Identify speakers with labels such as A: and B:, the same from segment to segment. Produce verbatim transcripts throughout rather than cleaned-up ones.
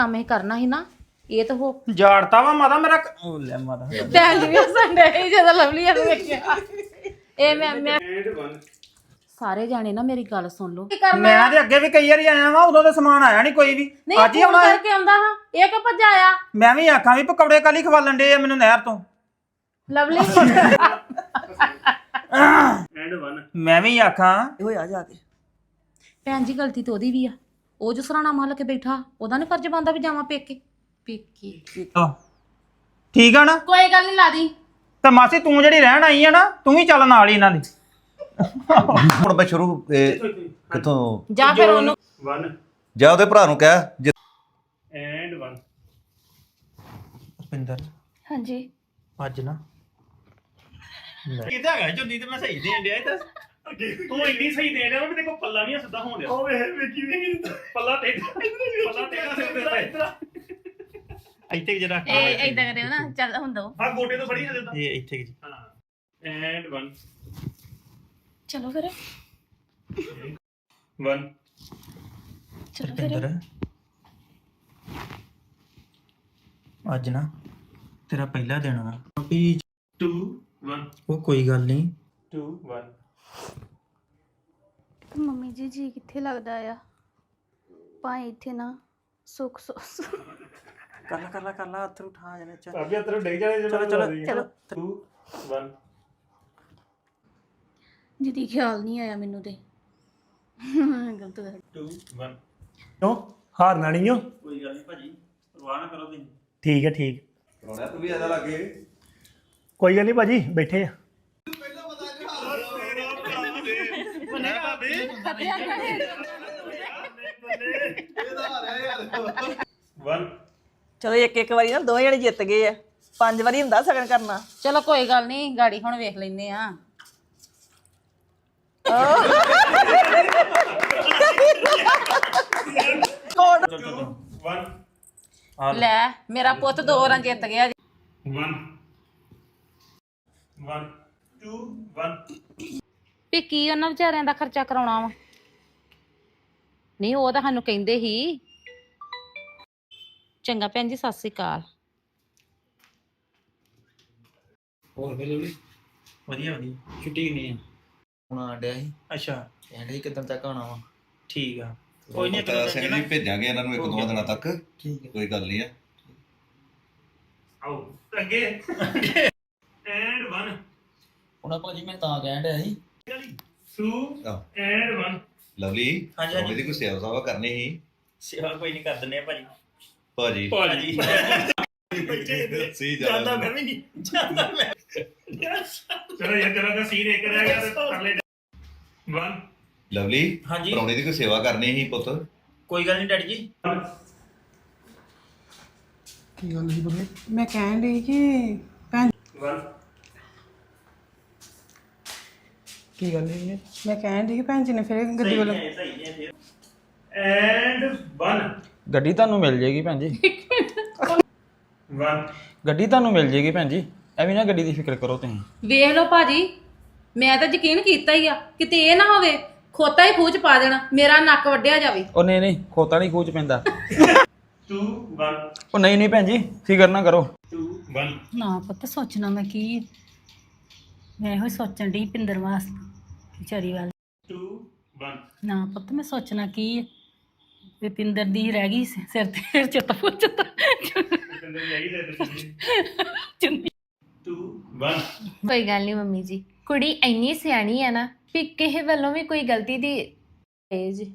A: ਕੰਮ ਇਹ ਕਰਨਾ ਸੀ ਨਾ ਇਹ ਤਾਂ ਹੋ
B: ਜਾੜਤਾ ਵਾ ਮਾਤਾ ਮੇਰਾ ਉਹ ਲੈ ਮਾਤਾ
A: ਭੈਣ ਜੀ ਵੀ ਸੰਡੇ ਹੀ ਜਦੋਂ ਲਵਲੀ ਆ ਵੇਖਿਆ ਇਹ ਮੈਂ ਮੈਂ ਸਾਰੇ ਜਾਣੇ ਨਾ ਮੇਰੀ ਗੱਲ ਸੁਣ ਲਓ
B: ਮੈਂ ਤੇ ਅੱਗੇ ਵੀ ਕਈ ਵਾਰੀ ਆਇਆ ਵਾਂ ਉਦੋਂ ਤੇ ਸਮਾਨ ਆਇਆ ਨਹੀਂ ਕੋਈ ਵੀ ਅੱਜ ਹੀ ਆਉਣਾ
A: ਕਰਕੇ ਆਉਂਦਾ ਹਾਂ ਇਹ ਕਿ ਭੱਜ ਆਇਆ
B: ਮੈਂ ਵੀ ਆਖਾਂ ਵੀ ਪਕੌੜੇ ਕਾਲੀ ਖਵਾਲਣ ਦੇ ਆ ਮੈਨੂੰ ਨਹਿਰ ਤੋਂ
A: ਲਵਲੀ
B: ਮੈਂ ਵੀ ਆਖਾਂ
C: ਹੋਇਆ ਜਾ ਕੇ
A: ਭੈਣ ਜੀ ਗਲਤੀ ਤਾਂ ਉਹਦੀ ਵੀ ਆ ਉਹ ਜੋ ਸਰਾਣਾ ਮਾਲ ਕੇ ਬੈਠਾ ਉਹਦਾ ਨੀ ਫਰਜ਼ ਬਣਦਾ ਵੀ ਜਾਵਾਂ ਪੇਕੇ ਪੇਕੇ
B: ਆਹ, ਠੀਕ ਆ ਨਾ
A: ਕੋਈ ਗੱਲ ਨਹੀਂ ਲਾ ਦੀ
B: ਤੇ ਮਾਸੀ ਤੂੰ ਜਿਹੜੀ ਰਹਿਣ ਆਈ ਆ ਨਾ ਤੂੰ ਵੀ ਚੱਲ ਨਾਲ ਹੀ ਇਹਨਾਂ ਦੀ
D: ਹੁਣ ਮੈਂ ਸ਼ੁਰੂ ਇਹ, ਕਿੱਥੋਂ
A: ਜਾਂ ਫਿਰ ਉਹਨੂੰ
D: ਜਾ ਉਹਦੇ ਭਰਾ ਨੂੰ ਕਹਿ ਜੇ-
B: ਐਂਡ ਵਨ ਰੁਪਿੰਦਰ
E: ਹਾਂਜੀ
B: ਅੱਜ ਨਾ ਕਿਤੇ ਹੈਗਾ ਜੁੰਦੀ ਤੇ ਮੈਂ ਸਹੀ ਦੇਣ ਡਿਆ ਇਹ ਤੂੰ ਇੰਨੀ ਸਹੀ ਦੇਣ ਡਿਆ ਮੈਂ ਤੇ ਕੋ ਪੱਲਾ ਨਹੀਂ ਸਿੱਧਾ ਹੋਣ ਡਿਆ ਉਹ ਵੇਖ ਵੇਖੀ ਵੇਖੀ ਪੱਲਾ ਤੇਰਾ ਪੱਲਾ ਤੇਰਾ ਸਿਰ ਤੇ ਇਤਰਾ ਇੱਥੇ ਜਰਾ
E: ਇਹ ਇਦਾਂ ਕਰਿਓ ਨਾ ਚੱਲ ਹੁਣ ਦੋ
B: ਹਾਂ ਗੋਡੇ ਤੋਂ ਫੜੀ ਜਿੱਦਾਂ ਇਹ ਇੱਥੇ ਜੀ ਹਾਂ ਐਂਡ ਵਨ
E: ਚਲੋ ਫਿਰ
B: ਵਨ
E: ਚਲੋ ਫਿਰ
B: ਅੱਜ ਨਾ ਤੇਰਾ ਪਹਿਲਾ ਦਿਨ ਆ ਵੀ ਟੂ ਵਨ ਉਹ ਕੋਈ ਗੱਲ ਨਹੀਂ ਟੂ ਵਨ
E: ਮੰਮੀ ਜੀ ਜੀ ਕਿੱਥੇ ਲੱਗਦਾ ਆ ਭਾਈ ਇੱਥੇ ਨਾ ਸੁੱਖ ਸੁੱਖ
B: ਕਰ ਲਾ ਕਰ ਲਾ ਕਰ ਲਾ ਹੱਥ ਉਠਾ ਜਾਣੇ ਚੱਲ ਅਭੀ ਹੱਥ ਡਿੱਗ ਜਾਣੇ ਚਲੋ ਚਲੋ
E: ਚਲੋ
B: ਟੂ ਵਨ
E: ਜਿਹਦੀ ਖਿਆਲ ਨਹੀਂ ਆਇਆ ਮੈਨੂੰ ਤੇ ਗਲਤ ਕਰ
B: ਟੂ ਵਨ
F: ਕਿਉਂ ਹਾਰਨਾ ਨਹੀਂ ਹੋ
B: ਕੋਈ ਗੱਲ ਨਹੀਂ ਭਾਜੀ ਪਰਵਾਹ ਨਾ ਕਰੋ ਤੁਸੀਂ
F: ਠੀਕ ਹੈ ਠੀਕ
D: ਰੋਣਾ ਤੂੰ ਵੀ ਆਦਾ ਲੱਗੇ
F: ਕੋਈ ਗੱਲ ਨਹੀਂ ਭਾਜੀ ਬੈਠੇ ਆ
B: ਵਨ
C: ਚਲੋ ਇੱਕ ਇੱਕ ਵਾਰੀ ਨਾ ਦੋਵੇਂ ਜਣੇ ਜਿੱਤ ਗਏ ਆ ਪੰਜ ਵਾਰੀ ਹੁੰਦਾ ਸਗਨ ਕਰਨਾ
A: ਚਲੋ ਕੋਈ ਗੱਲ ਨਹੀਂ ਗਾੜੀ ਹੁਣ ਵੇਖ ਲੈਨੇ ਆ
B: ਵਨ
A: ਲੈ ਮੇਰਾ ਪੁੱਤ ਦੋ ਵਾਰਾਂ ਜਿੱਤ ਗਿਆ ਜੀ
B: ਵਨ ਵਨ ਟੂ ਵਨ
A: ਵੀ ਕੀ ਉਹਨਾਂ ਵਿਚਾਰਿਆਂ ਦਾ ਖਰਚਾ ਕਰਾਉਣਾ ਵਾ ਨਹੀਂ ਉਹ ਤਾਂ ਸਾਨੂੰ ਕਹਿੰਦੇ ਸੀ ਚੰਗਾ ਭੈਣ ਜੀ ਸਤਿ ਸ੍ਰੀ ਅਕਾਲ
B: ਹੋਰ ਫਿਰ ਲੋੜੀ ਵਧੀਆ ਵਧੀਆ ਛੁੱਟੀ ਨਹੀਂ
G: ਹੁਣ ਆਂਡਿਆ ਸੀ
B: ਅੱਛਾ
G: ਕਹਿੰਦੇ ਕਿਦਾਂ ਤੱਕ ਆਉਣਾ ਵਾ
B: ਠੀਕ ਆ ਕੋਈ ਨਹੀਂ
D: ਤਾਂ ਅਸੀਂ ਵੀ ਭੇਜਾਂਗੇ ਇਹਨਾਂ ਨੂੰ ਇੱਕ ਦੋ ਦਿਨਾਂ ਤੱਕ
G: ਠੀਕ ਹੈ
D: ਕੋਈ ਗੱਲ ਨਹੀਂ ਆ
B: ਆਓ ਅੱਗੇ ਐਂਡ ਵਨ
G: ਉਹਨਾਂ ਭਾਜੀ ਮੈਂ ਤਾਂ ਕਹਿਣ ਡਿਆ ਸੀ
B: ਟੂ
D: ਆਹ,
B: ਐਂਡ ਵਨ
D: ਲਵਲੀ
B: ਹਾਂਜੀ, ਹਾਂਜੀ।
D: ਉਹਦੀ ਕੋਈ ਸੇਵਾ ਸਾਵਾ ਕਰਨੀ ਸੀ
B: ਸੇਵਾ ਕੋਈ ਨਹੀਂ ਕਰ ਦਿੰਦੇ ਆ ਭਾਜੀ
D: ਭਾਜੀ
B: ਭਾਜੀ
D: ਸੀ
B: ਜਾਂਦਾ ਮੈਂ ਵੀ ਨਹੀਂ ਜਾਂਦਾ ਮੈਂ ਚਲੋ ਯਾਰ ਚਲੋ ਤਾਂ ਸੀਨ ਇੱਕ ਰਹਿ ਗਿਆ ਤੇ ਕਰ ਲੈ ਵਨ
D: ਲਵਲੀ
B: ਹਾਂਜੀ।
D: ਪਰੌਣੇ ਦੀ ਕੋਈ ਸੇਵਾ ਕਰਨੀ ਸੀ ਪੁੱਤ
B: ਕੋਈ ਗੱਲ ਨਹੀਂ ਡੈਡੀ ਜੀ
H: ਕੀ ਗੱਲ ਸੀ ਬਗੇ ਮੈਂ ਕਹਿਣ ਲਈ ਕਿ ਭੈਣ
B: ਵਨ
H: ਕੀ ਗੱਲ ਹੈ ਮੈਂ ਕਹਿਣ ਲਈ ਕਿ ਭੈਣ ਜੀ ਨੇ ਫਿਰ ਗੱਡੀ ਵੱਲ
B: ਸਹੀ ਹੈ ਫਿਰ ਐਂਡ ਵਨ
I: ਗੱਡੀ ਤੁਹਾਨੂੰ ਮਿਲ ਜੇਗੀ ਭੈਣ ਜੀ
B: ਵਨ
I: ਗੱਡੀ ਤੁਹਾਨੂੰ ਮਿਲ ਜੇਗੀ ਭੈਣ ਜੀ ਐਵੇਂ ਨਾ ਗੱਡੀ ਦੀ ਫਿਕਰ ਕਰੋ ਤੁਸੀਂ
A: ਵੇਖ ਲਓ ਭਾਜੀ ਮੈਂ ਤਾਂ ਯਕੀਨ ਕੀਤਾ ਹੀ ਆ ਕਿਤੇ ਇਹ ਨਾ ਹੋਵੇ ਖੋਤਾ ਹੀ ਖੂਚ ਪਾ ਦੇਣਾ ਮੇਰਾ ਨੱਕ ਵੱਢਿਆ ਜਾਵੇ
I: ਉਹ ਨਹੀਂ ਨਹੀਂ ਖੋਤਾ ਨਹੀਂ ਖੂਚ ਪੈਂਦਾ
B: ਟੂ ਵਨ
I: ਉਹ ਨਹੀਂ ਨਹੀਂ ਭੈਣ ਜੀ ਫਿਕਰ ਨਾ ਕਰੋ
B: ਟੂ ਵਨ
E: ਨਾ ਪੁੱਤ ਸੋਚਣਾ ਮੈਂ ਕੀ ਮੈਂ ਇਹੋ ਸੋਚਣ ਡਈ ਪਿੰਦਰ ਵਾਸਤੇ ਵਿਚਾਰੀ ਵੱਲ
B: ਟੂ ਵਨ
E: ਨਾ ਪੁੱਤ ਮੈਂ ਸੋਚਣਾ ਕੀ ਹੈ ਵੀ ਪਿੰਦਰ ਦੀ ਰਹਿ ਗਈ ਸਿ- ਸਿਰ ਤੇ ਚਿੱਤ ਪੁੱਛਤਾ
B: ਟੂ ਵਨ
J: ਕੋਈ ਗੱਲ ਨਹੀਂ ਮੰਮੀ ਜੀ ਕੁੜੀ ਇੰਨੀ ਸਿਆਣੀ ਹੈ ਨਾ ਕਿ ਕਿਸੇ ਵੱਲੋਂ ਵੀ ਕੋਈ ਗਲਤੀ ਦੀ ਇਹ ਜੀ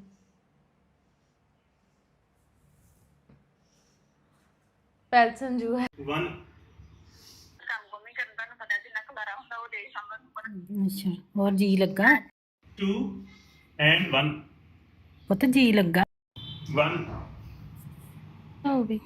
J: ਪਹਿਲ ਸੰਜੂ ਹੈ
B: ਵਨ
E: ਅੱਛਾ ਹੋਰ ਜੀ ਲੱਗਾ
B: ਟੂ ਐਂਡ ਵਨ
E: ਪੁੱਤ ਜੀ ਲੱਗਾ
B: ਵਨ
E: ਹੋ ਵੀ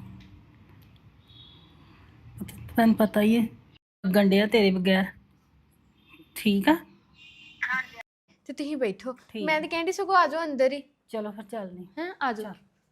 E: ਪੁੱਤ ਤੈਨੂੰ ਪਤਾ ਹੀ ਹੈ ਗੰਡਿਆ ਤੇਰੇ ਬਗੈਰ ਠੀਕ ਆ
J: ਤੇ ਤੁਸੀਂ ਬੈਠੋ
E: ਠੀਕ।
J: ਮੈਂ ਤਾਂ ਕਹਿੰਦੀ ਸਗੋਂ ਆ ਜਾਓ ਅੰਦਰ ਹੀ
E: ਚਲੋ ਫਿਰ ਚੱਲਦੇ
J: ਹੈ ਆ ਜਾਓ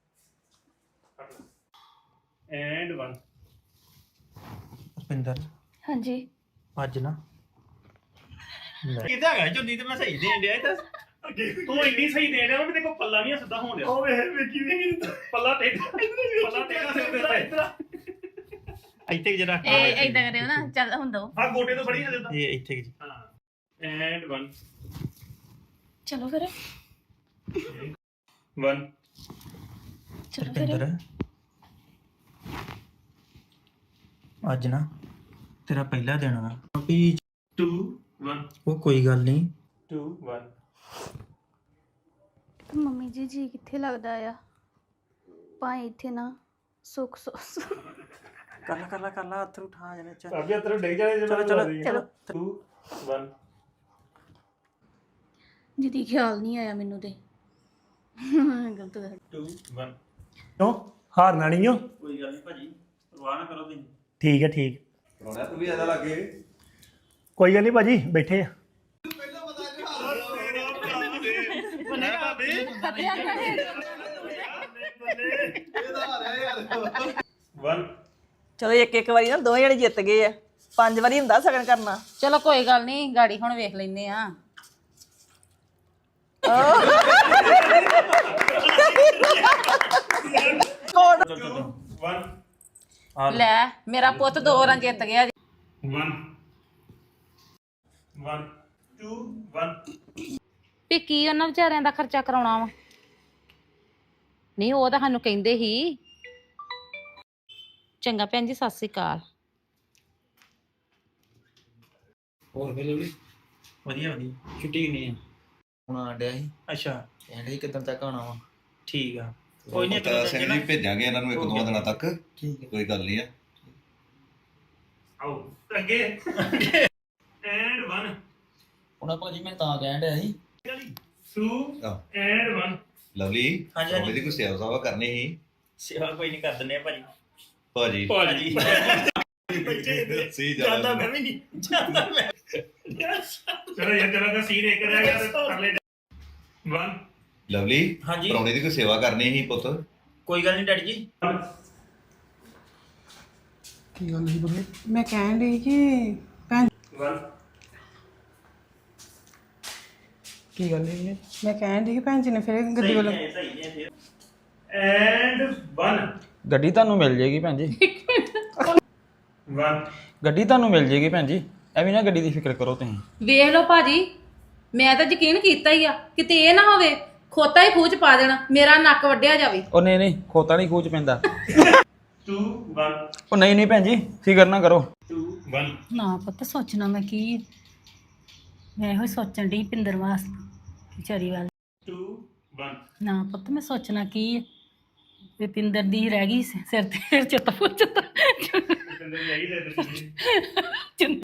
B: ਐਂਡ ਵਨ ਰੁਪਿੰਦਰ
J: ਹਾਂਜੀ
B: ਅੱਜ ਨਾ ਕਿਤੇ ਹੈਗਾ ਜੁੰਦੀ ਤੇ ਮੈਂ ਸਹੀ ਦੇਣ ਡਿਆ ਇਹ ਤਾਂ ਤੂੰ ਇੰਨੀ ਸਹੀ ਦੇਣ ਡਿਆ ਵਾ ਵੀ ਤੇਰੇ ਕੋਲ ਪੱਲਾ ਨਹੀਂ ਸਿੱਧਾ ਹੋਣ ਡਿਆ ਉਹ ਵੇਖ ਵੇਖੀ ਵੇਖੀ ਪੱਲਾ ਟੇਢਾ ਪੱਲਾ ਟੇਢਾ ਸਿਰ ਤੇ ਉੱਤੇ ਇੱਥੇ ਜਰਾ
A: ਇਹ ਇਦਾਂ ਕਰਿਓ ਨਾ ਚੱਲ ਹੁਣ ਦੋ
B: ਆ ਗੋਡੇ ਤੋਂ ਫੜੀ ਹਲੇ ਤਾਂ
I: ਇਹ ਇੱਥੇ ਜੀ
B: ਹਾਂ ਐਂਡ वन
J: ਚਲੋ ਫਿਰ
B: वन
J: ਚਲੋ ਫਿਰ
G: ਅੱਜ ਨਾ ਤੇਰਾ ਪਹਿਲਾ ਦਿਨ ਆ ਵੀ
B: टू वन
G: ਉਹ ਕੋਈ ਗੱਲ ਨਹੀਂ
B: टू वन
J: ਮੰਮੀ ਜੀ ਜੀ ਕਿੱਥੇ ਲੱਗਦਾ ਆ ਭਾਈ ਇੱਥੇ ਨਾ ਸੁੱਖ ਸੁੱਖ
C: ਕਰ ਲਾ ਕਰ ਲਾ ਕਰ ਲਾ ਹੱਥ ਉਠਾ ਜਨੇ ਚ
F: ਅੱਗੇ ਤੇਰੇ ਡਿੱਗ ਜਾਣੇ
C: ਚਲੋ ਚਲੋ ਚਲੋ
B: टू वन
J: ਜਿਹਦੀ ਖਿਆਲ ਨਹੀਂ ਆਇਆ ਮੈਨੂੰ ਤੇ ਗਲਤ ਗੱਲ
B: टू वन
F: ਕਿਉਂ ਹਾਰਨਾ ਨਹੀਂ ਓ
I: ਕੋਈ ਗੱਲ ਨਹੀਂ ਭਾਜੀ ਪਰਵਾਹ ਨਾ ਕਰੋ ਤੁਸੀਂ
F: ਠੀਕ ਹੈ ਠੀਕ
D: ਰੋਣਾ ਤੂੰ ਵੀ ਆਦਾ ਲੱਗੇ
F: ਕੋਈ ਗੱਲ ਨਹੀਂ ਭਾਜੀ ਬੈਠੇ ਆ
B: वन
C: ਚਲੋ ਇੱਕ ਇੱਕ ਵਾਰੀ ਨਾ ਦੋਵੇਂ ਜਣੇ ਜਿੱਤ ਗਏ ਆ ਪੰਜ ਵਾਰੀ ਹੁੰਦਾ ਸਗਨ ਕਰਨਾ
A: ਚਲੋ ਕੋਈ ਗੱਲ ਨਹੀਂ ਗਾੜੀ ਹੁਣ ਵੇਖ ਲੈਨੇ ਆ
B: वन
A: ਲੈ ਮੇਰਾ ਪੁੱਤ ਦੋ ਰਾਂ ਜਿੱਤ ਗਿਆ ਜੀ।
B: वन वन टू वन
A: ਵੀ ਕੀ ਉਹਨਾਂ ਵਿਚਾਰਿਆਂ ਦਾ ਖਰਚਾ ਕਰਾਉਣਾ ਵਾ ਨਹੀਂ ਉਹ ਤਾਂ ਸਾਨੂੰ ਕਹਿੰਦੇ ਸੀ ਚੰਗਾ ਭੈਣ ਜੀ ਸਤਿ ਸ੍ਰੀ ਅਕਾਲ
G: ਹੋਰ ਫਿਰ ਲਵਲੀ
I: ਵਧੀਆ ਵਧੀਆ ਛੁੱਟੀ ਨਹੀਂ ਆ
G: ਹੁਣ ਆਣ ਡਿਆ ਸੀ
I: ਅੱਛਾ
G: ਕਹਿੰਦੇ ਸੀ ਕਿੱਦਣ ਤੱਕ ਆਉਣਾ ਵਾ
I: ਠੀਕ ਆ ਕੋਈ ਨਹੀਂ
D: ਤਾਂ ਸਿੰਘ ਜੀ ਭੇਜਾਂਗੇ ਇਹਨਾਂ ਨੂੰ ਇੱਕ ਦੋ ਦਿਨਾਂ ਤੱਕ
G: ਠੀਕ ਹੈ
D: ਕੋਈ ਗੱਲ ਨਹੀਂ ਆ
B: आओ अगे एंड वन
G: ਉਹਨਾਂ ਭਾਜੀ ਮੈਂ ਤਾਂ ਕਹਿਣ ਡਿਆ ਸੀ
B: टू
D: ਆਹ,
B: एंड वन
D: ਲਵਲੀ
I: ਹਾਂਜੀ, ਹਾਂਜੀ।
D: ਉਹਦੀ ਕੋਈ ਸੇਵਾ ਸਾਵਾ ਕਰਨੀ ਸੀ
I: ਸੇਵਾ ਕੋਈ ਨਹੀਂ ਕਰ ਦਿੰਦੇ ਆ ਭਾਜੀ
D: ਭਾਜੀ
I: ਭਾਜੀ
D: ਸੀ
I: ਜਾਂਦਾ ਮੈਂ ਵੀ ਨਹੀਂ ਜਾਂਦਾ ਮੈਂ
B: चलो ये तेरा का सीन एक रह गया तो कर ले वन
D: ਲਵਲੀ
I: ਹਾਂਜੀ
D: ਪਰੌਣੇ ਦੀ ਕੋਈ ਸੇਵਾ ਕਰਨੀ ਸੀ ਪੁੱਤ
I: ਕੋਈ ਗੱਲ ਨਹੀਂ ਡੈਡੀ ਜੀ
H: ਕੀ ਗੱਲ ਸੀ ਬੁਰੇ ਮੈਂ ਕਹਿਣ ਡਈ ਕਿ ਭੈਣ
B: वन
H: ਕੀ ਗੱਲ ਹੈ ਮੈਂ ਕਹਿਣ ਡਈ ਕਿ ਭੈਣ ਜੀ ਨੇ ਫਿਰ ਗੱਡੀ ਵੱਲੋਂ
I: ਸਹੀ ਹੈ ਫਿਰ
B: एंड वन
I: ਗੱਡੀ ਤੁਹਾਨੂੰ ਮਿਲ ਜੇਗੀ ਭੈਣ ਜੀ
B: वन
I: ਗੱਡੀ ਤੁਹਾਨੂੰ ਮਿਲ ਜੇਗੀ ਭੈਣ ਜੀ ਐਵੇਂ ਨਾ ਗੱਡੀ ਦੀ ਫਿਕਰ ਕਰੋ ਤੁਸੀਂ
A: ਵੇਖ ਲਓ ਭਾਜੀ ਮੈਂ ਤਾਂ ਯਕੀਨ ਕੀਤਾ ਹੀ ਆ ਕਿਤੇ ਇਹ ਨਾ ਹੋਵੇ ਖੋਤਾ ਹੀ ਖੂਚ ਪਾ ਦੇਣਾ ਮੇਰਾ ਨੱਕ ਵੱਢਿਆ ਜਾਵੇ
I: ਉਹ ਨਹੀਂ ਨਹੀਂ ਖੋਤਾ ਨਹੀਂ ਖੂਚ ਪੈਂਦਾ
B: टू वन
I: ਉਹ ਨਹੀਂ ਨਹੀਂ ਭੈਣ ਜੀ ਫਿਕਰ ਨਾ ਕਰੋ
B: टू वन
E: ਨਾ ਪੁੱਤ ਸੋਚਣਾ ਮੈਂ ਕੀ ਮੈਂ ਇਹੋ ਹੀ ਸੋਚਣ ਡਈ ਪਿੰਦਰ ਵਾਸਤੇ ਵਿਚਾਰੀ ਵੱਲ
B: टू वन
E: ਨਾ ਪੁੱਤ ਮੈਂ ਸੋਚਣਾ ਕੀ ਹੈ ਵੀ ਪਿੰਦਰ ਦੀ ਰਹਿ ਗਈ ਸਿਰ ਤੇ ਫਿਰ ਚੇਤਾ ਪੁੱਛਦਾ
B: यही दे दे